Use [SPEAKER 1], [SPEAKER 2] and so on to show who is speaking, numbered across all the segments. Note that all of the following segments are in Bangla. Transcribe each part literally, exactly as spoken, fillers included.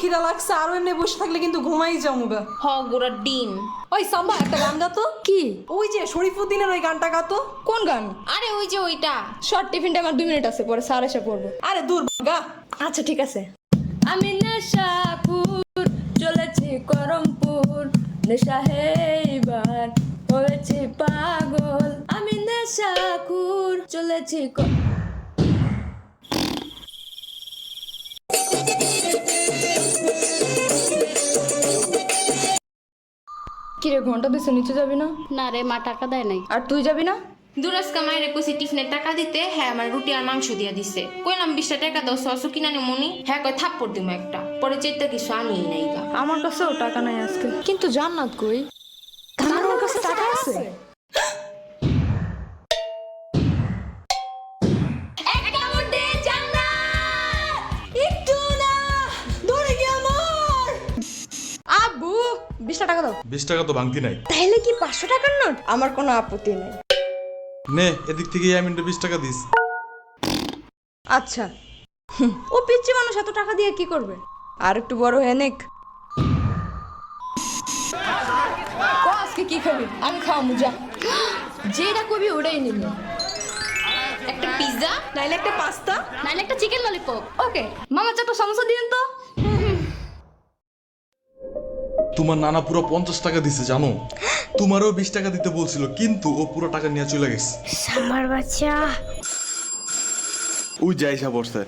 [SPEAKER 1] খিদা লাগছে আর এমনি বসে থাকলে কিন্তু ঘুমাই যামুগা।
[SPEAKER 2] হ গোড়া ডিম।
[SPEAKER 1] ওই সাম্বা একটা গান গাতো।
[SPEAKER 3] কি?
[SPEAKER 1] ওই যে শরীফুদ্দিনের ওই গানটা গাতো।
[SPEAKER 3] কোন গান?
[SPEAKER 2] আরে ওই যে ওইটা।
[SPEAKER 3] শর্ট টিফিনটা আমার দুই মিনিট আছে, পরে স্যার এসে পড়বো।
[SPEAKER 1] আরে দূর গা।
[SPEAKER 3] আচ্ছা ঠিক আছে। আমি নেশাপুর চলেছি করমপুর, নেশা হেইবার হয়েছি পাগল। আমি নেশাপুর চলেছি ক- কিরে ঘন্টা দিছে, নিচে যাবি না?
[SPEAKER 4] না রে, মা টাকা দেয় নাই।
[SPEAKER 3] আর তুই যাবি না?
[SPEAKER 2] দুরাজকা মায়ের কইছি টিফিনের টাকা দিতে, হ্যাঁ আমার রুটি আর মাংস দিয়া দিছে। কইলাম বিশটা টাকা দাও সসু কিনা নি মনি, হ্যাঁ কয় থাপ্পড় দিমু একটা। পরে চেতা কিছু আনিই নাই গা।
[SPEAKER 3] আমার কাছেও টাকা নাই আজকে। কিন্তু জান্নাত কই? আমার কাছে টাকা আছে।
[SPEAKER 1] একটু না ধরে গিয়ে আমার।
[SPEAKER 3] আব্বু বিশ টাকা দাও।
[SPEAKER 5] বিশ টাকা তো ভাঙতি নাই।
[SPEAKER 3] তাহলে কি পাঁচশো টাকার নোট? আমার কোনো আপত্তি নেই।
[SPEAKER 5] নে এদিক থেকে ইয়ামিনটা বিশ টাকা দিস।
[SPEAKER 3] আচ্ছা। হুম, ও পিচ্চি মানুষ, এত টাকা দিয়ে কি করবে? আর একটু বড় হয়ে নেক। ক আজকে কি খাবি? আমি খাওয়া মুজা। যেটা কবি ওটাই নিব।
[SPEAKER 2] একটা পিৎজা
[SPEAKER 3] নাইলে একটা পাস্তা,
[SPEAKER 4] নাইলে একটা চিকেন ললিপপ।
[SPEAKER 3] ওকে। মামা চারটা সমস্যা দিন তো।
[SPEAKER 5] তোমার নানা পুরো পঞ্চাশ টাকা দিছে জানো। তোমারও বিশ টাকা দিতে বলছিল, কিন্তু ও পুরো টাকা নিয়ে চলে গেছে।
[SPEAKER 4] আমার বাচ্চা।
[SPEAKER 5] ওই যাইসা বসছে।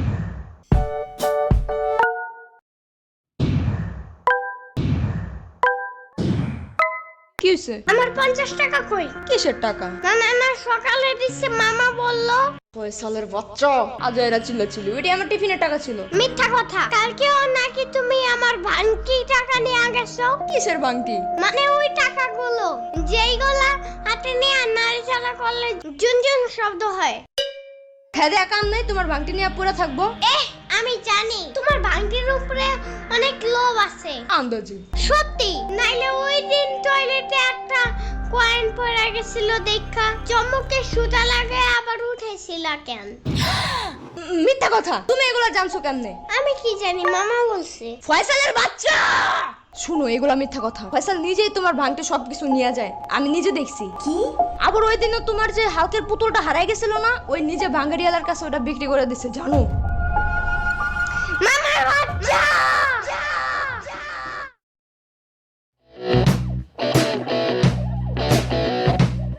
[SPEAKER 3] কি হইছে?
[SPEAKER 6] আমার পঞ্চাশ টাকা কই?
[SPEAKER 3] কিসের টাকা?
[SPEAKER 6] না না না, সকালে দিচ্ছে মামা বললো।
[SPEAKER 3] ফয়সালের বাচ্চা আজ এরা চিল্লাছিল, এটি আমার টিফিনের টাকা ছিল।
[SPEAKER 6] মিথ্যা কথা, কালকেও নাকি তুমি আমার ভাঙতি টাকা নিয়ে গেছো।
[SPEAKER 3] কিসের বাংটি?
[SPEAKER 6] মানে ওই টাকাগুলো যেইগুলা হাতে নিয়ে নাড়াচাড়া করলে জুনজুন শব্দ হয়।
[SPEAKER 3] খেদে কাম নাই, তোমার বাংটি নিয়ে পড়ে থাকবো।
[SPEAKER 6] এহ, আমি জানি তোমার ভাঙতির উপরে অনেক লোভ আছে।
[SPEAKER 3] আন্দাজি।
[SPEAKER 6] সত্যি, নাইলে ওই দিন টয়লেটে একটা কয়েন পড়ে গেছিল দেখা চমকে সুতা লাগে আবার উঠেছিল কেন?
[SPEAKER 3] উম, মিথ্যা কথা। তুমি এগুলা জানছো কেমনে?
[SPEAKER 6] আমি কি জানি, মামা বলছে।
[SPEAKER 3] ফয়সালের বাচ্চা শুনো, এগুলা মিথ্যা কথা। ফয়সাল নিজেই তোমার ভাঙতে সবকিছু নিয়ে যায়, আমি নিজে দেখছি। কি? আবার ওই দিনও তোমার যে হালকের পুতুলটা হারাই গেছিল না, ওই নিজে ভাঙ্গারিয়ালার কাছে ওটা বিক্রি করে দিছে, জানো?
[SPEAKER 6] মামার বাচ্চা!